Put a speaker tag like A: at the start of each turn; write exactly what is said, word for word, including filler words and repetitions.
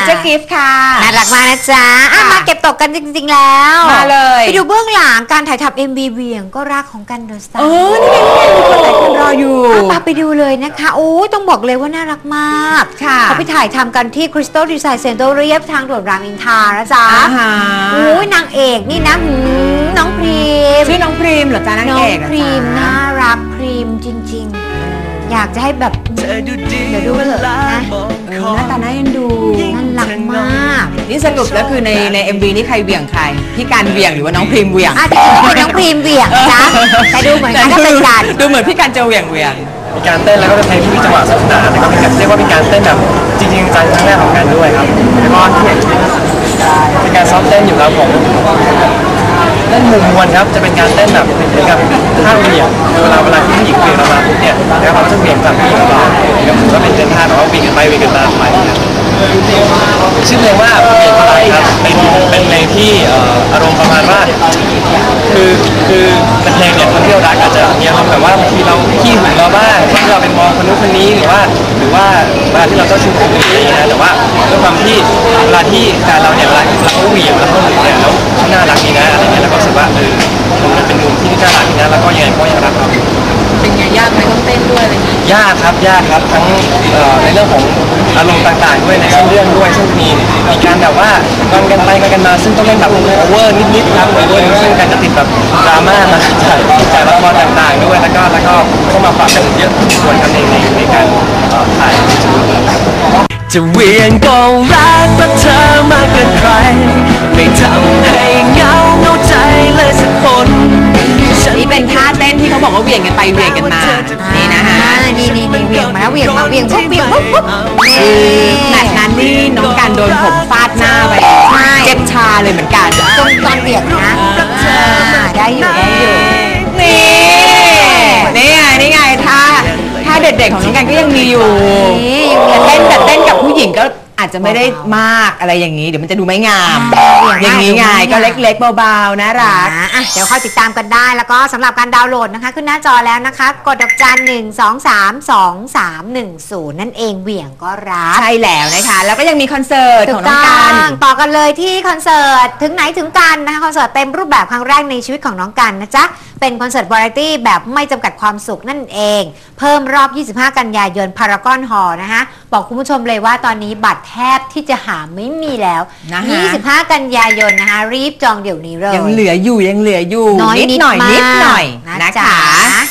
A: จ๊กิฟต์ค่ะ
B: น่ารักมากนะจ๊ะมาเก็บตกกันจริงๆแล้ว
A: มาเลย
B: ไปดูเบื้องหลังการถ่ายทำ เอ็ม วี เวียงก็รักของกันเดอะสตาร์
A: เออนี่ไงมีคนหลายคนรออยู่
B: ปาไปดูเลยนะคะโอ้ต้องบอกเลยว่าน่ารักมากเขาไปถ่ายทำกันที่ Crystal Design Center เรียบทางด่วนรามอินทรานะจ๊ะโอ้ยนางเอกนี่นะน้องพรีม
A: ชื่อน้องพรีมเหรอจ๊ะนางเอก
B: น้องพรีมน่ารักพรีมจริงๆอยากจะให้แบบเดี๋ยวดูเถอะนะ
A: หน้าตาน่าเอ็นดู
B: น่ารักมาก
A: นี่สรุปแล้วคือในใน เอ็ม วี นี่ใครเหวี่ยงใครพี่การเหวี่ยงหรือว่าน้องพรีมเหวี่ยง
B: อ่ะที่เป็นน้องพรีมเหวี่ยงจ้ะแต่ดูเหมือนกันถ้าเป็นการ
A: ดูเหมือนพี่การจะเหวี่ยงเหวี่ยง
C: มีการเต้นแล้วก็จะใช้ที่จังหวะสนุกสนานแล้วก็เป็นการเรียกว่าเป็นการเต้นแบบจริงๆจังครั้งแรกของกันด้วยครับแล้วก็ที่เห็นเป็นการซ้อมเต้นอยู่ครับผมเต้นมุมมวลครับจะเป็นการเต้นแบบเหมือนกับท่าเหวี่ยงเวลาเวลาที่ผู้หญิงเหวี่ยงเรามาปุ๊บเนี่ยแล้วเราจะเหวี่ยงกลับผู้หญิงเราก็ถือว่าเป็นเต้นท่าแบบว่าวิ่งกันไปวิ่งกันมาไปชื่อเพลงว่าเปลี่ยนพลังครับเป็นเป็นเพลงที่อารมณ์ประมาณว่าคือคือเป็นเพลงเนี่ยคนที่เรารักอาจจะมีอารมณ์แบบว่าบางทีเราขี้หึงเราบ้างที่เราไปมองคนนู้นคนนี้หรือว่าหรือว่าเวลาที่เราเจ้าชู้คนอื่นอะไรอย่างเงี้ยแต่ว่าด้วยความที่เวลาที่การเราเนี่ยเวลาเราเหวี่ยงเราเขาหึงเนี่ยแล้วเขาน่ารักดีนะอะไรเงี้ยแล้วก็รู้สึกว่าเออมันเป็นมุมที่น่ารักดีนะแล้วก็ยังไงก็ยังรักเรา
A: เป็นไงยากไหมต้องเต้นด้วยอะไรอย่างเงี้ย
C: ยากครับยากครับทั้งในเรื่องของอารมณ์ต่างๆด้วยในเส้นเรื่องด้วยซึ่งมีมีการแบบว่างอนกันไปงอนกันมาซึ่งต้องเล่นแบบโอเวอร์นิดๆครับโอเวอร์ซึ่งการจะติดแบบดราม่ามาจากจากละครต่างๆด้วยแล้วก็แล้วก็เข้ามาปรับกันเยอะส่วนกันในในในการถ่าย
D: จะเวียนก็รักเพราะเธอมากเกินใครไม่ทำให้เหงาเหงาใจเลยสักคน
A: นี่เป็นท่าเต้นที่เขาบอกว่าเวียงกันไปเวียงกันมานี่นะฮะ
B: นี่นี่นี่เวียงมาแล้วเวียงมาเวียงปุ๊บเวียงปุ๊บปุ๊บ
A: แมตช์นั้นนี่น้องการโดนผมฟาดหน้าไปเจ็บชาเลยเหมือนกัน
B: ตรงตอนเวียงนะได้อยู่ได้อยู่
A: นี่นี่ไงนี่ไงท่าท่าเด็ดๆของน้องการก็ยังมีอยู่แต่เต้นแต่เต้นกับผู้หญิงก็อาจจะไม่ได้มากอะไรอย่างนี้เดี๋ยวมันจะดูไม่งามอย่างนี้ไงก็เล็กๆเบาๆน่ารัก
B: เดี๋ยวคอยติดตามกันได้แล้วก็สำหรับการดาวน์โหลดนะคะขึ้นหน้าจอแล้วนะคะกดดอกจันหนึ่งสองสามสองสามหนึ่งศูนย์นั่นเองเหวี่ยงก็รัก
A: ใช่แล้วนะคะแล้วก็ยังมีคอนเสิร์ตของน้องกัน
B: ต่อกันเลยที่คอนเสิร์ตถึงไหนถึงกันนะคะคอนเสิร์ตเต็มรูปแบบครั้งแรกในชีวิตของน้องกันนะจ๊ะเป็นคอนเสิร์ตวาไรตี้แบบไม่จำกัดความสุขนั่นเองเพิ่มรอบยี่สิบห้ากันยายนพารากอนฮอลล์นะคะบอกคุณผู้ชมเลยว่าตอนนี้บัตรแทบที่จะหาไม่มีแล้วยี่สิบห้ากันยายนนะคะรีบจองเดี๋ยวนี้เลย
A: ยังเหลืออยู่ยังเหลืออยู่
B: นิดหน่อยนิดหน่อย
A: นะคะ